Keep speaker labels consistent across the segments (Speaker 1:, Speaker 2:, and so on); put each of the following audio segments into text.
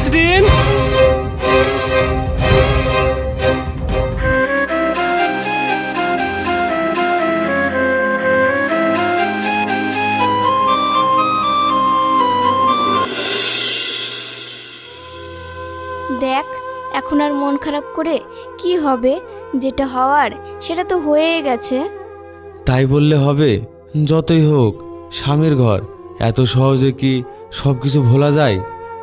Speaker 1: নাসরিন,
Speaker 2: দেখ, এখন আর মন খারাপ করে কি হবে? যেটা হওয়ার সেটা তো হয়েই গেছে।
Speaker 3: তাই বললে হবে? যতই হোক স্বামীর ঘর, এত সহজে কি সব কিছু ভোলা যায়?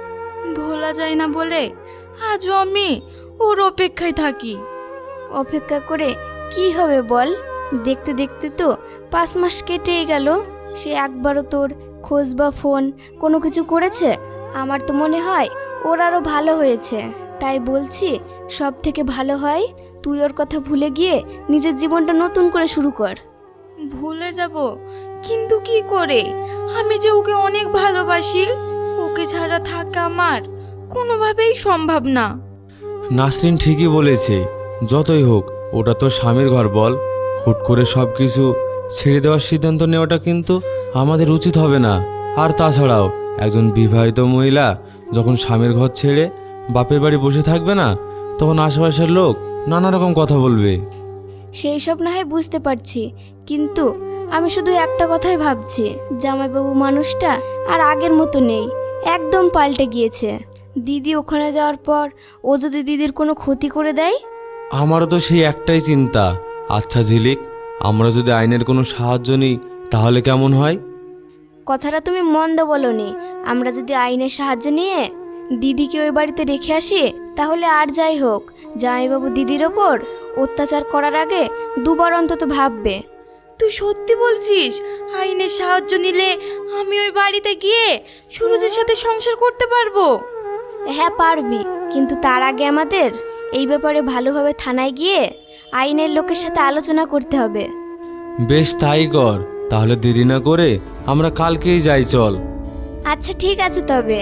Speaker 4: ভোলা যায় না বলে আজও আমি ওর অপেক্ষায় থাকি।
Speaker 2: অপেক্ষা করে কি হবে বল? দেখতে দেখতে তো 5 মাস কেটেই গেল। সে একবারও তোর খোঁজ বা ফোন কোনো কিছু করেছে? আমার তো মনে হয় ওর আরও ভালো হয়েছে। তাই বলছি, সব থেকে ভালো হয় তুই ওর কথা ভুলে গিয়ে নিজের জীবনটা নতুন করে শুরু কর।
Speaker 4: ভুলে যাব, কিন্তু কি করে? আমি যে ওকে অনেক ভালোবাসি, ওকে ছাড়া থাকা আমার কোনোভাবেই সম্ভব না।
Speaker 3: নাসরিন ঠিকই বলেছে, যতই হোক ওটা তো স্বামীর ঘর বল। হুট করে সব কিছু ছেড়ে দেওয়ার সিদ্ধান্ত নেওয়াটা কিন্তু আমাদের উচিত হবে না। আর তাছাড়াও একজন বিবাহিত মহিলা যখন স্বামীর ঘর ছেড়ে বাপের বাড়ি বসে থাকবে না, তখন আশেপাশের লোক নানা রকম কথা বলবে।
Speaker 2: সেই সব না হয় বুঝতে পারছি, কিন্তু আমি শুধু একটা কথাই ভাবছি, জামাইবাবু মানুষটা আর আগের মতো নেই, একদম পাল্টে গিয়েছে। দিদি ওখানে যাওয়ার পর ও যদি দিদির কোনো ক্ষতি করে দেয়?
Speaker 3: আমারও তো সেই একটাই চিন্তা। আচ্ছা ঝিলিক, আমরা যদি আইনের কোনো সাহায্য নিই তাহলে কেমন হয়?
Speaker 2: কথাটা তুমি মন্দ বলনি। আমরা যদি আইনের সাহায্য নিয়ে দিদিকে ওই বাড়িতে রেখে আসি, তাহলে আর যাই হোক জামাইবাবু দিদির ওপর অত্যাচার করার আগে দুবার অন্তত ভাববে।
Speaker 4: তুই সত্যি বলছিস? আইনের সাহায্য নিলে আমি ওই বাড়িতে গিয়ে সুরজের সাথে সংসার করতে পারবো?
Speaker 2: হ্যাঁ পারবি, কিন্তু তার আগে আমাদের এই ব্যাপারে ভালোভাবে থানায় গিয়ে আইনের লোকের সাথে আলোচনা করতে হবে।
Speaker 3: বেশ, তাই কর। তাহলে দেরি না করে আমরা কালকেই যাই, চল।
Speaker 2: আচ্ছা ঠিক আছে তবে।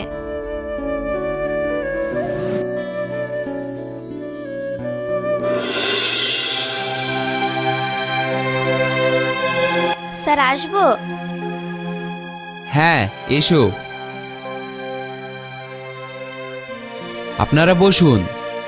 Speaker 2: স্যার আসবো?
Speaker 5: হ্যাঁ, এসো। আপনারা বসুন।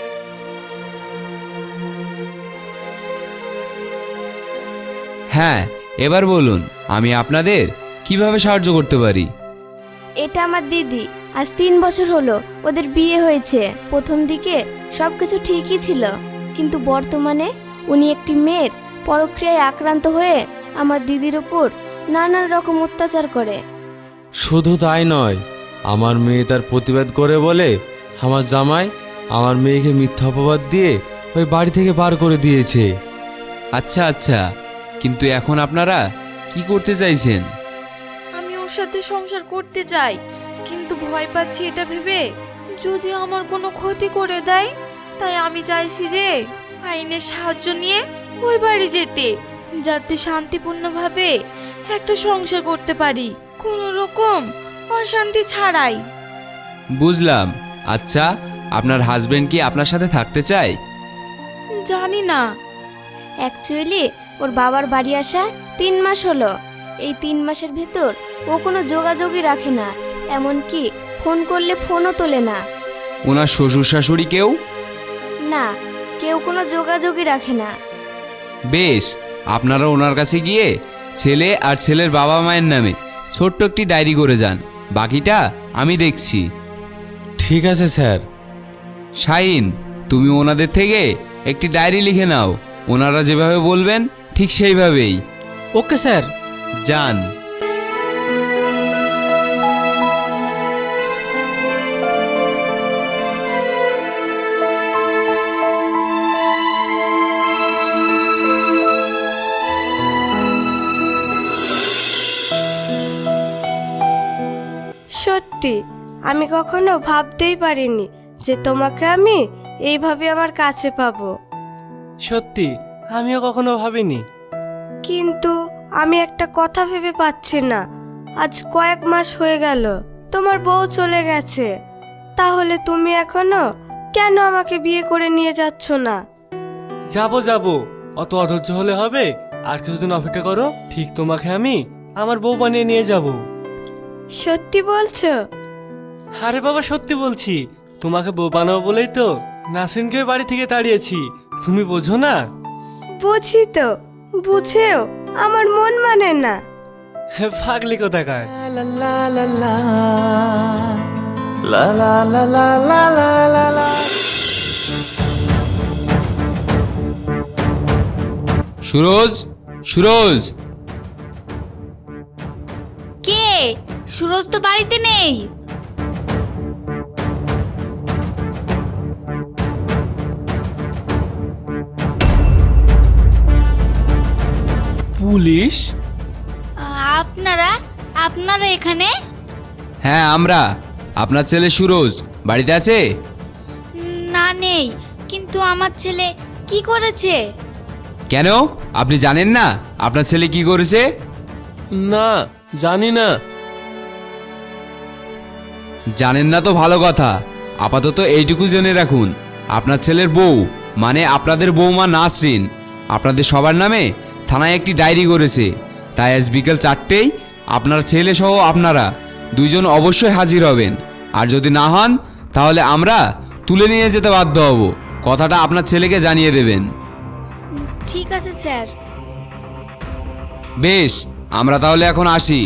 Speaker 5: হ্যাঁ, এবার বলুন, আমি আপনাদের কিভাবে সাহায্য করতে পারি?
Speaker 2: এটা আমার দিদি, আজ 3 বছর হলো ওদের বিয়ে হয়েছে। প্রথম দিকে সব কিছু ঠিকই ছিল, কিন্তু বর্তমানে উনি একটি মেয়ের পরক্রিয়ায় আক্রান্ত হয়ে আমার দিদির ওপর নানান রকম অত্যাচার করে।
Speaker 3: শুধু তাই নয়, আমার মেয়ে তার প্রতিবাদ করে বলে আমার জামাই আমার মেয়েকে মিথ্যা অপবাদ দিয়ে ওই বাড়ি থেকে বার করে দিয়েছে।
Speaker 5: আচ্ছা আচ্ছা, কিন্তু এখন আপনারা কি করতে চাইছেন?
Speaker 4: আমি ওর সাথে সংসার করতে চাই, কিন্তু ভয় পাচ্ছি এটা ভেবে যদি আমার কোনো ক্ষতি করে দেয়। তাই আমি চাইছি যে আইনের সাহায্য নিয়ে ওই বাড়ি যেতে, যাতে শান্তিপূর্ণভাবে একটা সংসার করতে পারি, কোনো রকম অশান্তি ছাড়াই।
Speaker 5: বুঝলাম। আচ্ছা, আপনার হাজবেন্ড কি আপনার সাথে থাকতে চায়?
Speaker 4: জানি না।
Speaker 2: অ্যাকচুয়ালি ওর বাবার বাড়ি আসা 3 মাস হলো। এই 3 মাসের ভেতর ও কোনো যোগাযোগই রাখে না, এমনকি ফোন করলে ফোনও তোলে না।
Speaker 5: ওনার শ্বশুর শাশুড়ি কেউ?
Speaker 2: না, কেউ কোনো যোগাযোগই রাখে না।
Speaker 5: বেশ, আপনারা ওনার কাছে গিয়ে ছেলে আর ছেলের বাবা মায়ের নামে ছোট্ট একটি ডায়েরি করে যান, বাকিটা আমি দেখছি।
Speaker 3: ঠিক আছে স্যার।
Speaker 5: শাহিন, তুমি ওনাদের থেকে একটি ডায়েরি লিখে নাও। ওনারা যেভাবে বলবেন ঠিক সেইভাবেই।
Speaker 1: Okay sir.
Speaker 5: যান।
Speaker 6: সত্যি আমি কখনো ভাবতেই পারিনি যে তোমাকে আমি এইভাবে আমার কাছে পাবো।
Speaker 1: সত্যি আমিও কখনো ভাবিনি।
Speaker 6: কিন্তু আমি একটা কথা ভেবে পাচ্ছি না, আজ কয়েক মাস হয়ে গেল তোমার বউ চলে গেছে, তাহলে তুমি এখনো কেন আমাকে বিয়ে করে নিয়ে যাচ্ছ না?
Speaker 1: যাবো যাবো, অত অধৈর্য হলে হবে? আর কিছুদিন অপেক্ষা করো, ঠিক তোমাকে আমি আমার বউ বানিয়ে নিয়ে যাব।
Speaker 6: সত্যি বলছো?
Speaker 1: আরে বাবা, সত্যি বলছি। তোমাকে বউ বানাবো বলেই তো নাসরিনকে বাড়ি থেকে তাড়িয়েছি, তুমি বোঝো না?
Speaker 6: বুঝি তো, বুঝেও আমার মন মানে না।
Speaker 1: পাগলি কোথাকার।
Speaker 5: সুরজ, সুরজ,
Speaker 2: কে? সুরজ তো বাড়িতে নেই।
Speaker 1: পুলিশ?
Speaker 2: আপনারা আপনারা এখানে?
Speaker 5: হ্যাঁ আমরা। আপনার ছেলে সুরজ বাড়িতে আছে?
Speaker 2: না, নেই। কিন্তু আমার ছেলে কি করেছে?
Speaker 5: কেন, আপনি জানেন না আপনার ছেলে কি করেছে?
Speaker 1: না, জানি না।
Speaker 5: জানেন না তো ভালো কথা। আপাতত এইটুকু জেনে রাখুন, আপনার ছেলের বউ মানে আপনাদের বৌমা নাসরিন আপনাদের সবার নামে থানায় একটি ডায়েরি করেছে। তাই আজ বিকেল 4টেই আপনার ছেলে সহ আপনারা দুইজন অবশ্যই হাজির হবেন। আর যদি না হন তাহলে আমরা তুলে নিয়ে যেতে বাধ্য হব। কথাটা আপনার ছেলেকে জানিয়ে দেবেন।
Speaker 2: ঠিক আছে স্যার।
Speaker 5: বেশ, আমরা তাহলে এখন আসি।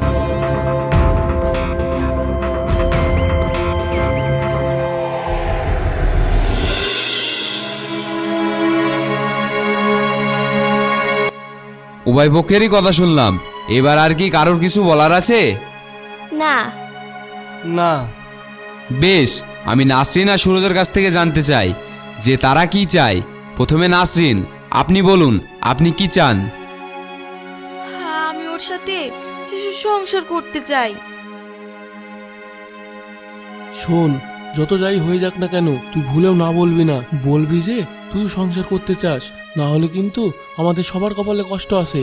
Speaker 5: উভয় পক্ষেরই কথা শুনলাম, এবার আর কি কারোর কিছু বলার আছে?
Speaker 2: না।
Speaker 1: না।
Speaker 5: বেশ, আমি নাসরিন আর সুরজের কাছ থেকে জানতে চাই যে তারা কি চায়। প্রথমে নাসরিন, আপনি বলুন আপনি কি চান?
Speaker 4: আমি ওর সাথে সংসার করতে চাই।
Speaker 7: শোন, যত যাই হয়ে যাক না কেন তুই ভুলেও না বলবি না। বলবি যে তুই সংসার করতে চাস, না হলে কিন্তু আমাদের সবার কপালে কষ্ট আছে।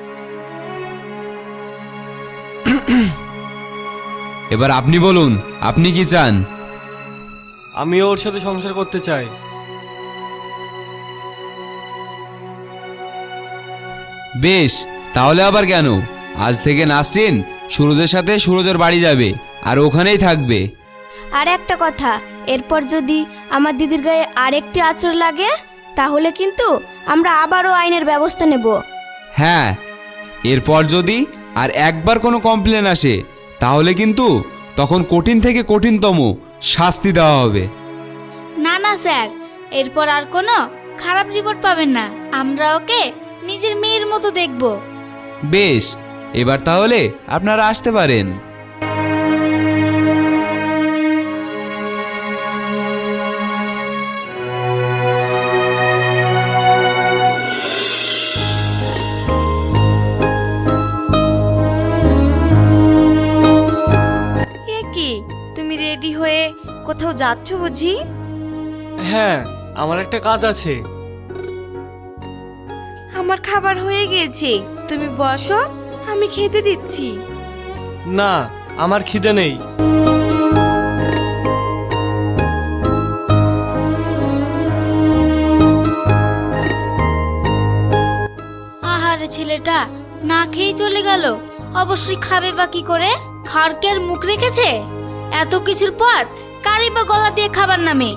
Speaker 5: এবার আপনি বলুন আপনি কি চান?
Speaker 1: আমি ওর সাথে সংসার করতে চাই।
Speaker 5: বেশ, তাহলে আবার কেন? আজ থেকে নাসরিন সুরজের সাথে সুরজের বাড়ি যাবে আর ওখানেই থাকবে।
Speaker 2: আর একটা কথা, এরপর যদি আমার দিদির গায়ে আরেকটি আঁচড় লাগে তাহলে কিন্তু আমরা আবারও আইনের ব্যবস্থা নেব।
Speaker 5: হ্যাঁ, এরপর যদি আর একবার কোনো কমপ্লেন আসে তাহলে কিন্তু তখন কঠিন থেকে কঠিনতম শাস্তি দেওয়া হবে।
Speaker 2: না না স্যার, এরপর আর কোনো খারাপ রিপোর্ট পাবেন না। আমরা ওকে নিজের মেয়ের মতো দেখব।
Speaker 5: বেশ, এবার তাহলে আপনারা আসতে পারেন।
Speaker 4: এ কি, তুমি রেডি হয়ে কোথাও যাচ্ছ বুঝি?
Speaker 1: হ্যাঁ, আমার একটা কাজ আছে।
Speaker 4: আমার খাবার হয়ে গেছে, তুমি বসো, আমি খেতে দিচ্ছি।
Speaker 1: না, আমার খিদে নেই।
Speaker 2: আহারে, ছেলেটা না খেয়েই চলে গেল। অবশ্যই খাবে বা কি করে? খাড়কের মুখ রেখেছে। এত কিছুর পর কারি বা গলা দিয়ে খাবার নামে।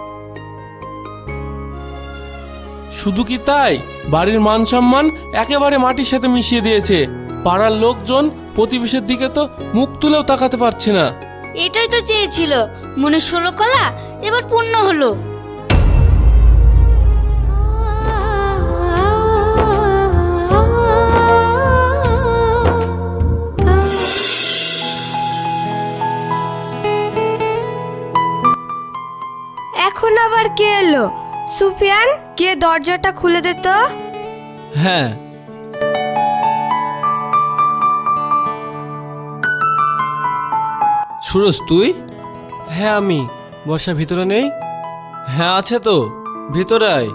Speaker 7: শুধু কি তাই, বাড়ির মান সম্মান একেবারে মাটির সাথে মিশিয়ে দিয়েছে। পাড়ার লোকজন প্রতিবেশীর দিকে তো মুখ তুলেও তাকাতে পারছে না।
Speaker 2: এটাই তো চেয়েছিল। মনে 16 কলা এবার পূর্ণ হলো।
Speaker 6: এখন আবার কে এলো? সুফিয়ান, কে দরজাটা খুলে দে তো।
Speaker 3: হ্যাঁ, সুরজ তুই?
Speaker 1: হ্যাঁ আমি। বর্ষা ভিতরে নেই?
Speaker 3: হ্যাঁ আছে তো, ভিতরে আয়।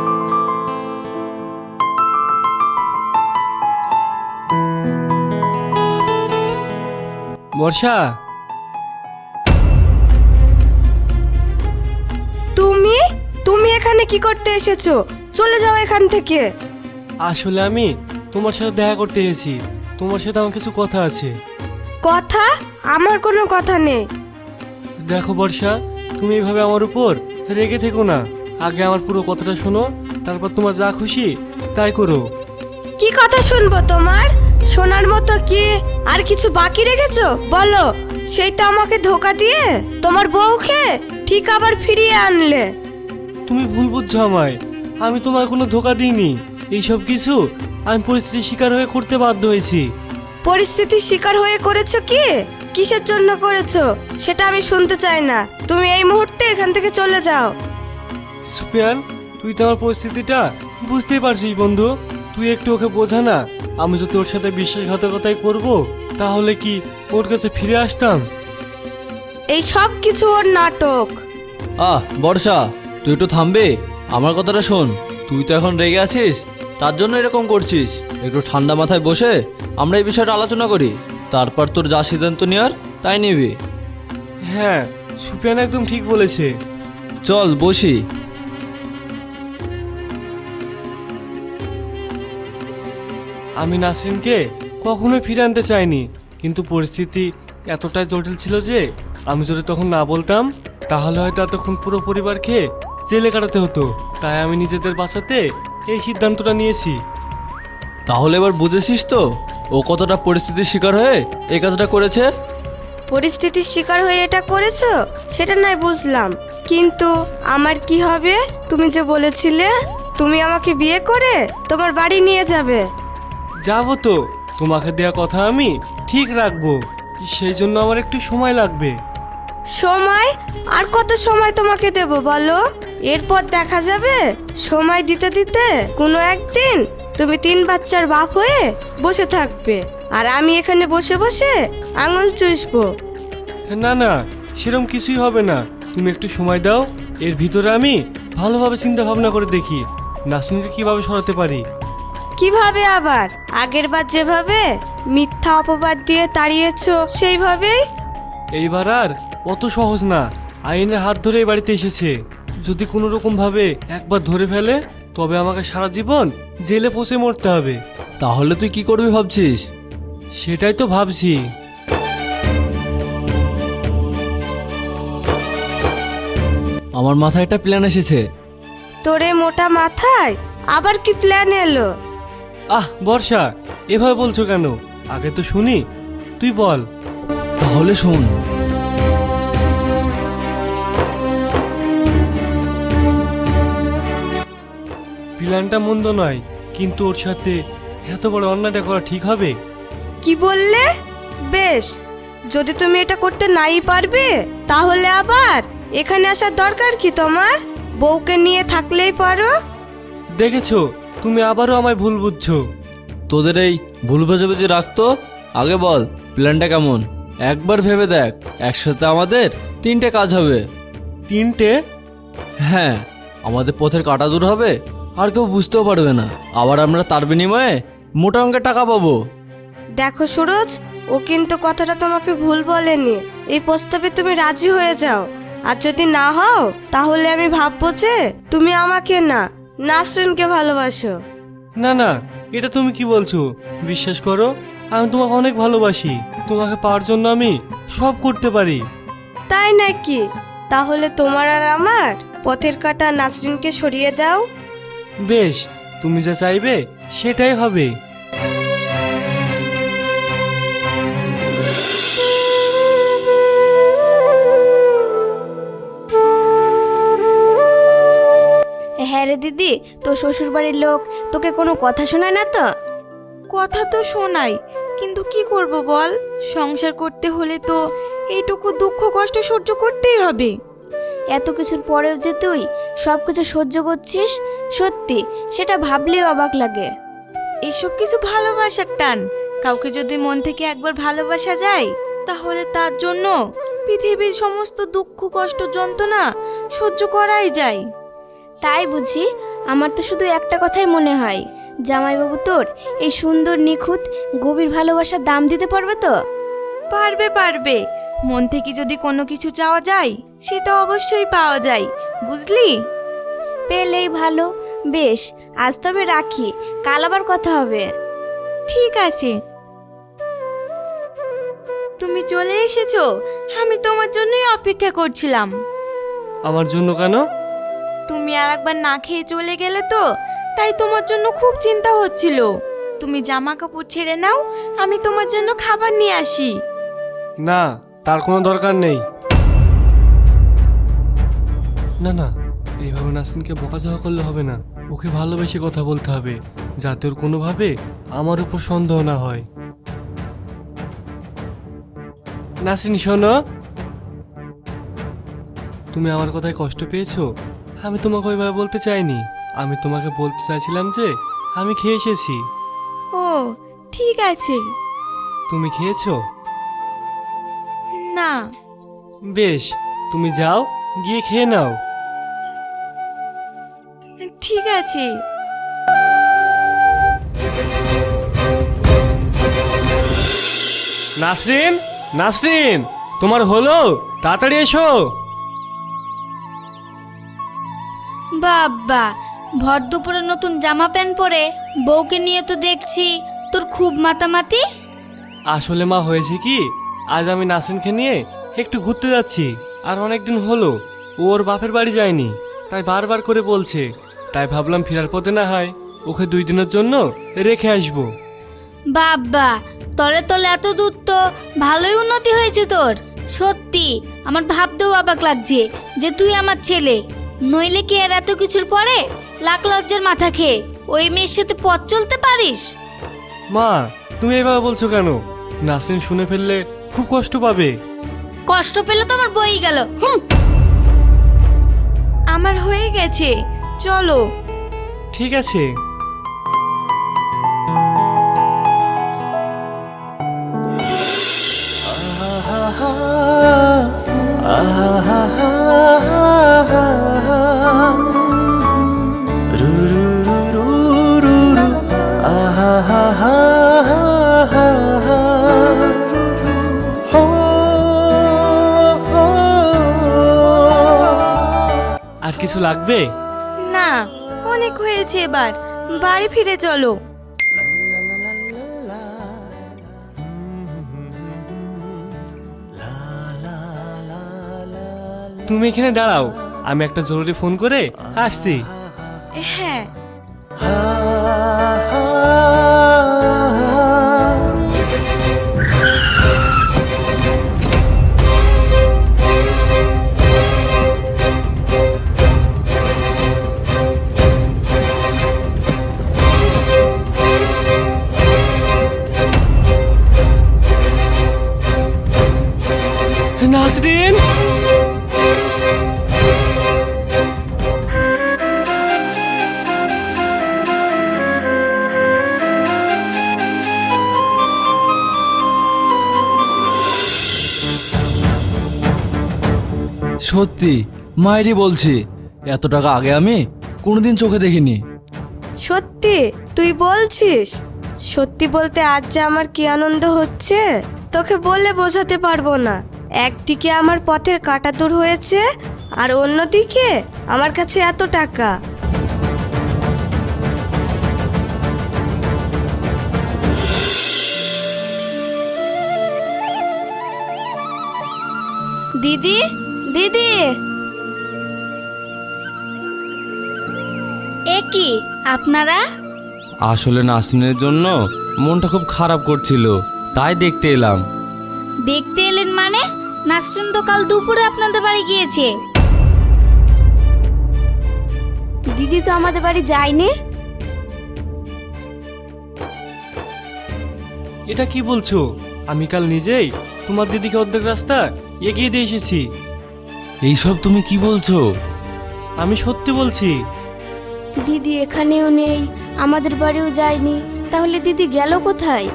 Speaker 1: বর্ষা,
Speaker 6: তুমি তুমি এখানে কি করতে এসেছো? চলে যাও এখান থেকে।
Speaker 1: আসলে আমি তোমার সাথে দেখা করতে এসেছি। তোমার সাথে আমার কিছু কথা আছে।
Speaker 6: কথা? আমার কোনো কথা নেই।
Speaker 1: দেখো বর্ষা, তুমি এইভাবে আমার উপর রেগে থেকো না। আগে আমার পুরো কথাটা শোনো, তারপর তোমার যা খুশি তাই করো।
Speaker 6: কি কথা শুনবো তোমার? শোনার মতো কি আর কিছু বাকি রেখেছো বলো? সেই তো আমাকে ধোকা দিয়ে তোমার বউকে ঠিক আবার ফিরিয়ে আনলে।
Speaker 1: তুমি ভুল বুঝছো আমায়, আমি তোমায় কোনো ধোকা দিইনি। এইসব কিছু আমি পরিস্থিতির শিকার হয়ে করতে বাধ্য হয়েছি।
Speaker 6: পরিস্থিতির শিকার হয়ে করেছো কি? কিসের জন্য করেছো সেটা আমি শুনতে চাই না। তুমি এই মুহূর্তে এখান থেকে চলে যাও।
Speaker 1: সুপিয়ান, তুই তো আমার পরিস্থিতিটা বুঝতেই পারছিস বন্ধু। তুই একটু ওকে বোঝা না। আমি যদি ওর সাথে বিশ্বাসঘাতকতাই করব, তাহলে কি ওর কাছে ফিরে আসতাম?
Speaker 6: এই সব কিছু ওর নাটক।
Speaker 8: বর্ষা, তুই একটু থামবে? আমার কথাটা শোন। তুই তো এখন রেগে আছিস, তার জন্য এরকম করছিস। একটু ঠান্ডা মাথায় বসে আমরা এই বিষয়টা আলোচনা করি, তারপর তোর যা সিদ্ধান্ত নেওয়ার তাই নিবি।
Speaker 1: হ্যাঁ, সুপিয়ান একদম ঠিক বলেছে।
Speaker 8: চল বসি।
Speaker 1: আমি নাসরিনকে কখনোই ফিরে আনতে চাইনি, কিন্তু পরিস্থিতি এতটাই জটিল ছিল যে আমি যদি তখন না বলতাম, তাহলে হয়তো এতক্ষণ পুরো পরিবারকে জেলে কাটাতে হতো। তাই আমি নিজেদের বাঁচাতে এই সিদ্ধান্তটা নিয়েছি।
Speaker 8: তাহলে এবার বুঝেছিস তো ও কতটা পরিস্থিতির শিকার হয়ে এই কাজটা করেছে?
Speaker 6: পরিস্থিতির শিকার হয়ে এটা করেছো সেটা নাই বুঝলাম, কিন্তু আমার কি হবে? তুমি যে বলেছিলে তুমি আমাকে বিয়ে করে তোমার বাড়ি নিয়ে যাবে।
Speaker 1: যাবো তো, তোমাকে দেওয়া কথা আমি ঠিক রাখবো। সেই জন্য আমার একটু সময় লাগবে।
Speaker 6: সময়? আর কত সময় তোমাকে দেব বলো? এরপর দেখা যাবে সময় দিতে দিতে কোনো একদিন তুমি 3 বাচ্চার বাপ হয়ে বসে থাকবে, আর আমি এখানে বসে বসে আঙুল চুষবো।
Speaker 1: না না, সেরকম কিছুই হবে না। তুমি একটু সময় দাও। এর ভিতরে আমি ভালোভাবে চিন্তা ভাবনা করে দেখি নাসরিনকে কিভাবে সরাতে পারি।
Speaker 6: কিভাবে আবার? আগের বার যেভাবে মিথ্যা অপবাদ দিয়ে তাড়িয়েছো সেইভাবেই?
Speaker 1: এইবার আর অত সহজ না। আইনের হাত ধরে এই বাড়িতে এসেছে। যদি কোনো রকম ভাবে একবার ধরে ফেলে, তবে আমাকে সারা জীবন জেলে পচে মরতে হবে।
Speaker 8: তাহলে তুই কি করবি ভাবছিস?
Speaker 1: সেটাই তো ভাবছি।
Speaker 8: আমার মাথায় একটা প্ল্যান এসেছে।
Speaker 6: তোরে মোটা মাথায় আবার কি প্ল্যান এলো?
Speaker 1: বর্ষা, এভাবে বলছো কেন? আগে তো শুনি, তুই বল।
Speaker 8: তাহলে শোন।
Speaker 1: প্ল্যানটা মন্দ নয়, কিন্তু ওর সাথে এত বড় অন্যায়টা করা ঠিক হবে?
Speaker 6: কি বললে? বেশ, যদি তুমি এটা করতে নাই পারবে তাহলে আবার এখানে আসার দরকার কি তোমার? বউকে নিয়ে থাকলেই পারো।
Speaker 1: দেখেছো, তুমি আবারও আমায় ভুল বুঝছো।
Speaker 8: তোদের এই ভুল বোঝাবুঝি রাখতো। আগে বল প্ল্যানটা কেমন? একবার ভেবে দেখ, একসাথে আমাদের 3টে কাজ হবে।
Speaker 1: 3টে?
Speaker 8: হ্যাঁ, আমাদের পথের কাটা দূর হবে, আর কেউ বুঝতেও পারবে না। আবার আমরা তার বিনিময়ে মোটা অঙ্কের টাকা পাবো।
Speaker 6: দেখো সুরজ, ও কিন্তু কথাটা তোমাকে ভুল বলেনি। এই প্রস্তাবে তুমি রাজি হয়ে যাও, আর যদি না হও তাহলে আমি ভাববো যে তুমি আমাকে না নাসরিনকে ভালোবাসো।
Speaker 1: না না, এটা তুমি কি বলছো? বিশ্বাস করো, আমি তোমাকে অনেক ভালোবাসি। তোমাকে পাওয়ার জন্য আমি সব করতে পারি।
Speaker 6: তাই নাকি? তাহলে তোমার আর আমার পথের কাটা নাসরিনকে সরিয়ে দাও।
Speaker 1: বেশ, তুমি যা চাইবে সেটাই হবে।
Speaker 2: হ্যাঁ রে দিদি, তোর শ্বশুর বাড়ির লোক তোকে কোনো কথা শোনায় না তো?
Speaker 4: কথা তো শোনাই, কিন্তু কি করব বল? সংসার করতে হলে তো এইটুকু দুঃখ কষ্ট সহ্য করতেই হবে।
Speaker 2: এত কিছুর পরেও যে তুই সব কিছু সহ্য করছিস, সত্যি সেটা ভাবলেও অবাক লাগে।
Speaker 4: এসব কিছু ভালোবাসার টান। কাউকে যদি মন থেকে একবার ভালোবাসা যায়, তাহলে তার জন্য পৃথিবীর সমস্ত দুঃখ কষ্ট যন্ত্রণা সহ্য করাই যায়।
Speaker 2: তাই বুঝি? আমার তো শুধু একটা কথাই মনে হয়, জামাইবাবু তোর এই সুন্দর নিখুঁত গভীর ভালোবাসার দাম দিতে পারবে তো?
Speaker 4: পারবে পারবে। মন থেকে যদি কোনো কিছু চাওয়া যায়, সেটা অবশ্যই পাওয়া যায়, বুঝলি?
Speaker 2: পেলেই ভালো। বেশ, আজ তবে রাখি, কাল আবার কথা হবে।
Speaker 4: ঠিক আছে। তুমি চলে এসেছো, আমি তোমার জন্যই অপেক্ষা করছিলাম।
Speaker 1: আমার জন্য কেন?
Speaker 4: তুমি আর একবার না খেয়ে চলে গেলে তো, তাই তোমার জন্য খুব চিন্তা হচ্ছিল। তুমি জামা কাপড় ছেড়ে নাও, আমি তোমার জন্য খাবার নিয়ে আসি।
Speaker 1: না, তার কোনো দরকার নেই। না না, এইভাবে নাসরিনকে বকাঝকা করলে হবে না। ওকে ভালোবেসে কথা বলতে হবে, যাতে ওর কোনোভাবে আমার উপর সন্দেহ না হয়। নাসরিন শোনো, তুমি আমার কথায় কষ্ট পেয়েছো? আমি তোমাকে ওইভাবে বলতে চাইনি। আমি তোমাকে বলতে চাইছিলাম যে আমি খেয়ে এসেছি।
Speaker 4: ও ঠিক আছে।
Speaker 1: তুমি খেয়েছো?
Speaker 4: না।
Speaker 1: বেশ, তুমি যাও, গিয়ে খেয়ে নাও।
Speaker 4: ঠিক আছে।
Speaker 1: নাসরিন, নাসরিন, তোমার হলো? তাড়াতাড়ি এসো।
Speaker 2: বাবা, ভর দুপুরে নতুন জামা প্যান্ট পরে বউকে নিয়ে তো দেখছি তোর খুব মাতামাতি।
Speaker 1: আসলে মা, হয়েছে কি, আজ আমি নাসরিনকে নিয়ে একটু ঘুরতে যাচ্ছি। আর অনেকদিন হলো ও ওর বাপের বাড়ি যায়নি, তাই বারবার করে বলছে। তাই ভাবলাম ফেরার পথে না হয় ওকে 2 দিনের জন্য রেখে আসবো।
Speaker 2: বাবা, তলে তলে এত দূর তো ভালোই উন্নতি হয়েছে তোর। সত্যি আমার ভাবতেও অবাক লাগছে যে তুই আমার ছেলে। নইলে কি আর এত কিছুর পরে লাখ লজ্জার মাথা খেয়ে ওই মেয়ের সাথে পথ চলতে পারিস?
Speaker 1: মা, তুমি এভাবে বলছো কেন? নাসরিন শুনে ফেললে খুব কষ্ট পাবে।
Speaker 2: কষ্ট পেলে তো আমার বই গেল।
Speaker 4: আমার হয়ে গেছে, চলো।
Speaker 1: ঠিক আছে। আর কিছু লাগবে?
Speaker 4: না, অনেক হয়েছে, এবার বাড়ি ফিরে চলো।
Speaker 1: তুমি এখানে দাঁড়াও, আমি একটা জরুরি ফোন করে আসছি।
Speaker 4: হ্যাঁ।
Speaker 1: নাসরিন,
Speaker 8: সত্যি মায়েরই বলছি, এত টাকা আগে আমি কোনোদিন চোখে দেখিনি।
Speaker 6: সত্যি তুই বলছিস? সত্যি বলতে আজ যে আমার কি আনন্দ হচ্ছে তোকে বলে বোঝাতে পারবো না। একদিকে আমার পথের কাঁটা দূর হয়েছে, আর অন্যদিকে আমার কাছে এত টাকা।
Speaker 2: দিদি, দিদি, এ কি আপনারা?
Speaker 3: আসলে নাসরিনের জন্য মনটা খুব খারাপ করছিল, তাই দেখতে এলাম।
Speaker 2: দেখতে এলেন মানে? নাসরিন তো কাল দুপুরে আপনাদের বাড়ি গিয়েছে।
Speaker 6: দিদি তো আমাদের বাড়ি যায়নি।
Speaker 1: এটা কি বলছো? আমি কাল নিজেই তোমার দিদিকে অর্ধেক রাস্তা এগিয়ে দিয়ে এসেছি।
Speaker 3: এইসব তুমি কি বলছো?
Speaker 1: আমি সত্যি বলছি।
Speaker 2: দিদি এখানেও নেই, আমাদের বাড়িও যায়নি, তাহলে দিদি গেল কোথায়?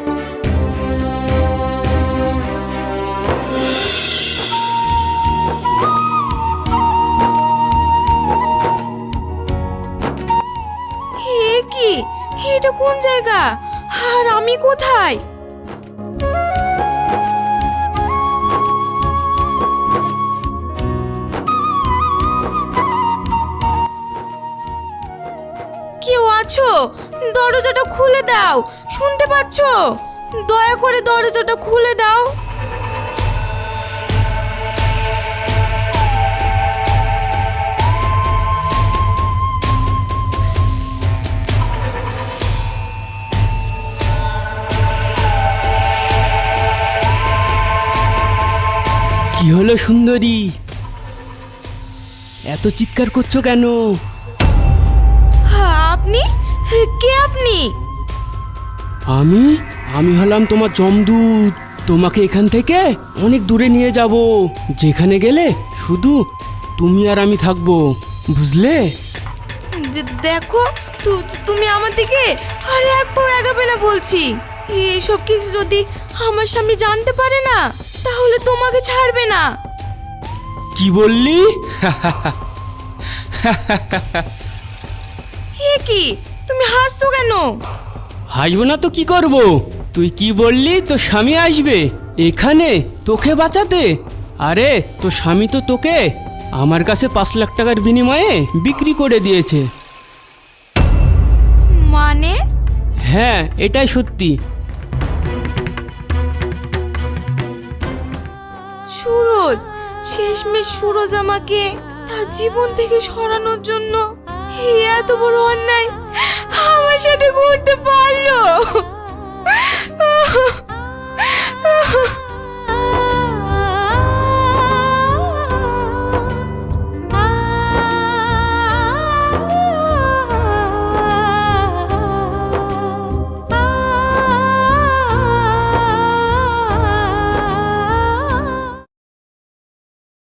Speaker 4: হে কি, এটা কোন জায়গা? আর আমি কোথায়? কেউ আছো? দরজাটা খুলে দাও, শুনতে পাচ্ছো? দয়া করে দরজাটা খুলে দাও।
Speaker 9: কি হলো সুন্দরী, এত চিৎকার করছো কেন?
Speaker 4: আপনি কে? আপনি?
Speaker 9: আমি হলাম তোমার যমদূত। তোমাকে এখান থেকে অনেক দূরে নিয়ে যাব, যেখানে গেলে শুধু তুমি আর আমি থাকবো, বুঝলে?
Speaker 4: দেখো, তুমি আমার দিকে আর এক পাও এগাবে না বলছি। এইসব কিছু যদি আমার স্বামী জানতে পারে না, তাহলে তোমাকে ছাড়বে না।
Speaker 9: কি বললি?
Speaker 4: এ কি, তুমি হাসছো কেন?
Speaker 9: হাসবো না তো কি করব? তুই কি বললি তোর স্বামী আসবে এখানে তোকে বাঁচাতে? আরে তোর স্বামী তো তোকে আমার কাছে 5 লাখ টাকার বিনিময়ে বিক্রি করে দিয়েছে।
Speaker 4: মানে?
Speaker 9: হ্যাঁ, এটাই সত্যি।
Speaker 4: সুরজ, শেষমেশ সুরজ আমাকে তার জীবন থেকে সরানোর জন্য এত বড় অন্যায় আমার সাথে করতে পারলো।